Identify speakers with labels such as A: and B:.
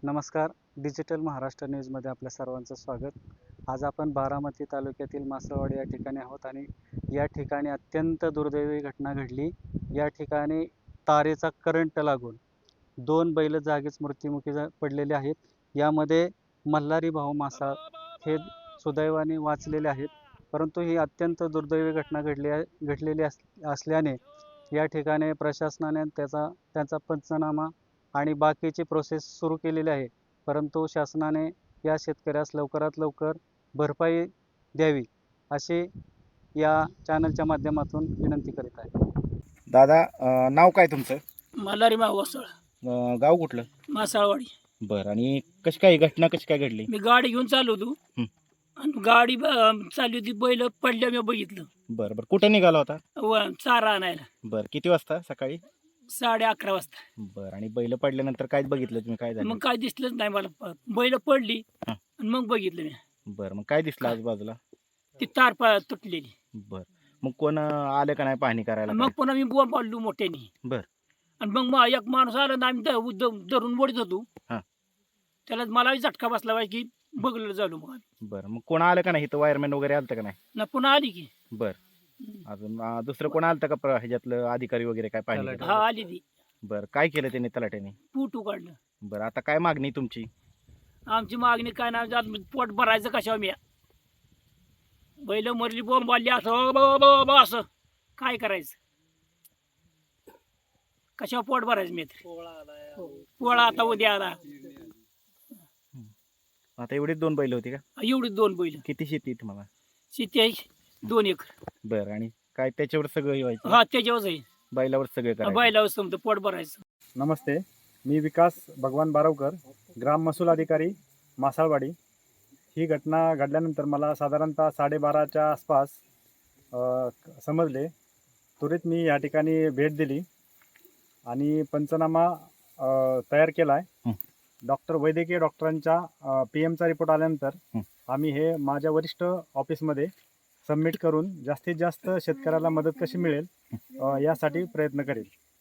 A: नमस्कार. डिजिटल महाराष्ट्र न्यूजमध्ये आपल्या सर्वांचं स्वागत. आज आपण बारामती तालुक्यातील मासळवाडी या ठिकाणी आहोत आणि या ठिकाणी अत्यंत दुर्दैवी घटना घडली. या ठिकाणी तारेचा करंट लागून 2 बैल जागीच मृत्युमुखी पडलेले आहेत. यामध्ये मल्हारी भाऊ मासाळ हे सुदैवाने वाचलेले आहेत, परंतु ही अत्यंत दुर्दैवी घटना घडलेली असल्याने या ठिकाणी प्रशासनाने त्यांचा पंचनामा आणि बाकीची प्रोसेस सुरू केलेली आहे. परंतु शासनाने या शेतकऱ्यास लवकरात लवकर भरपाई द्यावी अशी या चॅनलच्या माध्यमातून विनंती करीत आहे.
B: दादा नाव काय तुमचं?
C: मल्हारी मावसळ,
B: गाव कुठलं?
C: मासाळवाडी.
B: बरं. आणि घटना कशी काय घडली?
C: मी गाडी घेऊन चाललो होतो आणि गाडी चालली होती, बैल पडल्या मी बघितलं.
B: बरं बरं. कुठं निघाला होता?
C: चारा आणायला
B: बरं. किती वाजता सकाळी?
C: 11:30 वाजता.
B: बरं. आणि बैल पडल्यानंतर काय बघितलं तुम्ही? काय झालं?
C: मग काय दिसलंच नाही मला. बैल पडली
B: हां.
C: आणि मग बघितलं मी.
B: बरं. मग काय दिसलं आजूबाजूला?
C: ती तार तुटलेली.
B: बरं. मग कोण आलं का नाही पाहणी करायला?
C: मग पुन्हा मी बोंब पाडलो मोठ्याने.
B: बरं.
C: आणि मग एक माणूस आला ना, आम्ही धरून ओढत होतो.
B: हां.
C: त्याला मला झटका बसला पाहिजे की बघलं झालो. मग
B: बरं. मग कोण आलं का नाही? इथं वायरमॅन वगैरे आलं का नाही?
C: ना पुन्हा आली की.
B: बरं. अजून दुसरं कोण आलं का ह्याच्यातलं अधिकारी वगैरे काय पाहिजे?
C: हा, आली ती.
B: बरं. काय केलं त्यांनी तलाट्याने?
C: पूट उकाडलं.
B: बरं. आता काय मागणी तुमची?
C: आमची मागणी काय नाही, पोट भरायचं कशावर मी. बैल मरली, बोंब आली, असं असं काय करायचं? कशावर पोट भरायचं मी? पोळा आता उद्या आला.
B: आता एवढीच 2 बैल होती का?
C: एवढी 2 बैल.
B: किती शेती आहे तुम्हाला?
C: शेती आहे 2 एकर.
B: बरं. आणि काय त्याच्यावर सगळं हे व्हायचं?
C: हा, त्याच्यावरच आहे.
B: बैलावर सगळं करायचं?
C: बैलावर समजा पोट भरायचं.
D: नमस्ते, मी विकास भगवान बारवकर, ग्राम महसूल अधिकारी, मासाळवाडी. ही घटना घडल्यानंतर मला साधारणतः 12:30च्या आसपास समजले. त्वरित मी या ठिकाणी भेट दिली आणि पंचनामा तयार केला आहे. वैद्यकीय डॉक्टरांच्या PM चा रिपोर्ट आल्यानंतर आम्ही हे माझ्या वरिष्ठ ऑफिसमध्ये सबमिट करून जास्तीत जास्त शेतकऱ्याला मदत कशी मिळेल यासाठी प्रयत्न करेल.